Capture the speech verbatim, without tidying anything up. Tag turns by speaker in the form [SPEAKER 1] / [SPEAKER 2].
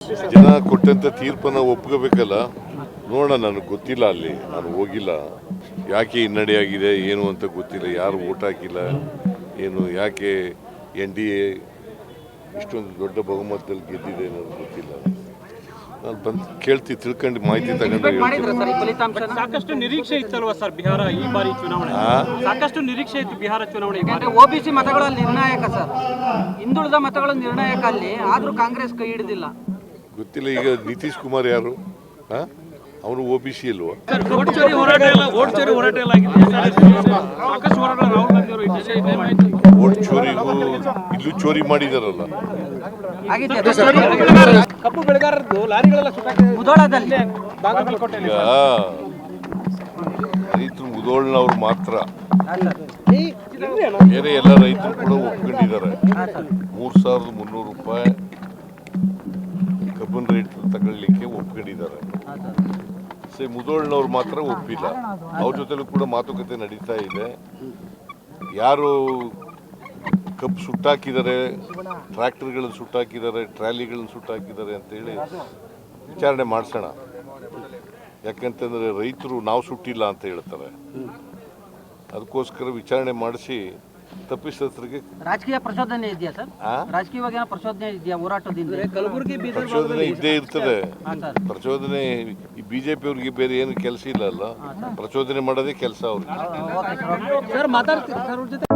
[SPEAKER 1] ಜನ ಕೊಟ್ಟಂತ ತೀರ್ಪನ್ನು ಒಪ್ಕೋಬೇಕಲ್ಲ. ನೋಡೋಣ, ನನಗೆ ಗೊತ್ತಿಲ್ಲ, ಅಲ್ಲಿ ನಾನು ಹೋಗಿಲ್ಲ. ಯಾಕೆ ಹಿನ್ನಡೆಯಾಗಿದೆ ಏನು ಅಂತ ಗೊತ್ತಿಲ್ಲ. ಯಾರು ಓಟ್ ಹಾಕಿಲ್ಲ ಏನು, ಯಾಕೆ ಎನ್ ಡಿ ಎ ಇಷ್ಟೊಂದು ದೊಡ್ಡ ಬಹುಮತದಲ್ಲಿ ಗೆದ್ದಿದೆ ಅನ್ನೋದು ಗೊತ್ತಿಲ್ಲ. ನಾನು ಬಂದು ಕೇಳ್ತಿ ತಿಳ್ಕೊಂಡು ಮಾಹಿತಿ ತಗೊಂಡು.
[SPEAKER 2] ಸಾಕಷ್ಟು ನಿರೀಕ್ಷೆ ಇತ್ತಲ್ವಾ ಸರ್ ಬಿಹಾರ ಈ ಬಾರಿ ಚುನಾವಣೆ? ಸಾಕಷ್ಟು ನಿರೀಕ್ಷೆ ಇತ್ತು ಬಿಹಾರ ಚುನಾವಣೆ.
[SPEAKER 3] ಓಬಿಸಿ ಮತಗಳಲ್ಲಿ ನಿರ್ಣಾಯಕ ಸರ್, ಹಿಂದುಳಿದ ಮತಗಳ ನಿರ್ಣಾಯಕ ಅಲ್ಲಿ, ಆದ್ರೂ ಕಾಂಗ್ರೆಸ್ ಕೈ ಹಿಡಿದಿಲ್ಲ.
[SPEAKER 1] ಗೊತ್ತಿಲ್ಲ. ಈಗ ನಿತೀಶ್ ಕುಮಾರ್ ಯಾರು? ಹಾ, ಅವನು ಒ ಬಿ ಸಿ ಅಲ್ವಾ?
[SPEAKER 2] ಓಟ್ ಚೋರಿ ಹೋರಾಟ ಎಲ್ಲ ಓಟ್ ಚೋರಿ ಹೋರಾಟ ಎಲ್ಲ ಆಗಿದೆ. ಸಾಕಷ್ಟು ಹೋರಾಟ ರಾಹುಲ್ ಗಾಂಧಿ ಅವರು
[SPEAKER 1] ಓಟ್ ಚೋರಿಗೂ ಇಲ್ಲೂ ಚೋರಿ ಮಾಡಿದಾರಲ್ಲ.
[SPEAKER 2] ಕಬ್ಬು ಬೆಳೆಗಾರರದ್ದು ಲಾರಿಗಳೆಲ್ಲ
[SPEAKER 3] ಮುಧೋಳದಲ್ಲಿ
[SPEAKER 1] ಈಗ ರೈತರು ಮುಧೋಳ್ನವ್ರು ಮಾತ್ರ, ಬೇರೆ ಎಲ್ಲ ರೈತರು ಕೂಡ ಒಪ್ಕೊಂಡಿದ್ದಾರೆ. ಮೂರ್ ಸಾವಿರದ ಮುನ್ನೂರು ರೂಪಾಯಿ ಕಬ್ಬಿನ ರೇಟ್ ತಗೊಳ್ಳಿಕ್ಕೆ ಒಪ್ಕೊಂಡಿದ್ದಾರೆ. ಸೇ ಮುಧೋಳ್ನವ್ರು ಮಾತ್ರ ಒಪ್ಪಿಲ್ಲ. ಅವ್ರ ಜೊತೆಲೂ ಕೂಡ ಮಾತುಕತೆ ನಡೀತಾ ಇದೆ. ಯಾರು ಕಬ್ಬು ಸುಟ್ಟಾಕಿದ್ದಾರೆ, ಟ್ರ್ಯಾಕ್ಟರ್ಗಳನ್ನು ಸುಟ್ಟಾಕಿದ್ದಾರೆ, ಟ್ರಾಲಿಗಳನ್ನು ಸುಟ್ಟಾಕಿದ್ದಾರೆ ಅಂತೇಳಿ ವಿಚಾರಣೆ ಮಾಡಿಸೋಣ. ಯಾಕಂತಂದರೆ ರೈತರು ನಾವು ಸುಟ್ಟಿಲ್ಲ ಅಂತ ಹೇಳ್ತಾರೆ. ಅದಕ್ಕೋಸ್ಕರ ವಿಚಾರಣೆ ಮಾಡಿಸಿ ತಪ್ಪಿಸೋದ್ರಿಗೆ.
[SPEAKER 3] ರಾಜಕೀಯ ಪ್ರಚೋದನೆ ಇದೆಯಾ ಸರ್? ರಾಜಕೀಯವಾಗಿ ಏನೋ ಪ್ರಚೋದನೆ ಇದೆಯಾ ಹೋರಾಟದಿಂದ? ಕಲಬುರಗಿ
[SPEAKER 1] ಪ್ರಚೋದನೆ ಇದ್ದೇ ಇರ್ತದೆ. ಪ್ರಚೋದನೆ ಈ ಬಿಜೆಪಿ ಅವ್ರಿಗೆ ಬೇರೆ ಏನು ಕೆಲಸ ಇಲ್ಲ ಅಲ್ಲ, ಪ್ರಚೋದನೆ ಮಾಡೋದೇ ಕೆಲಸ ಅವ್ರಿಗೆ.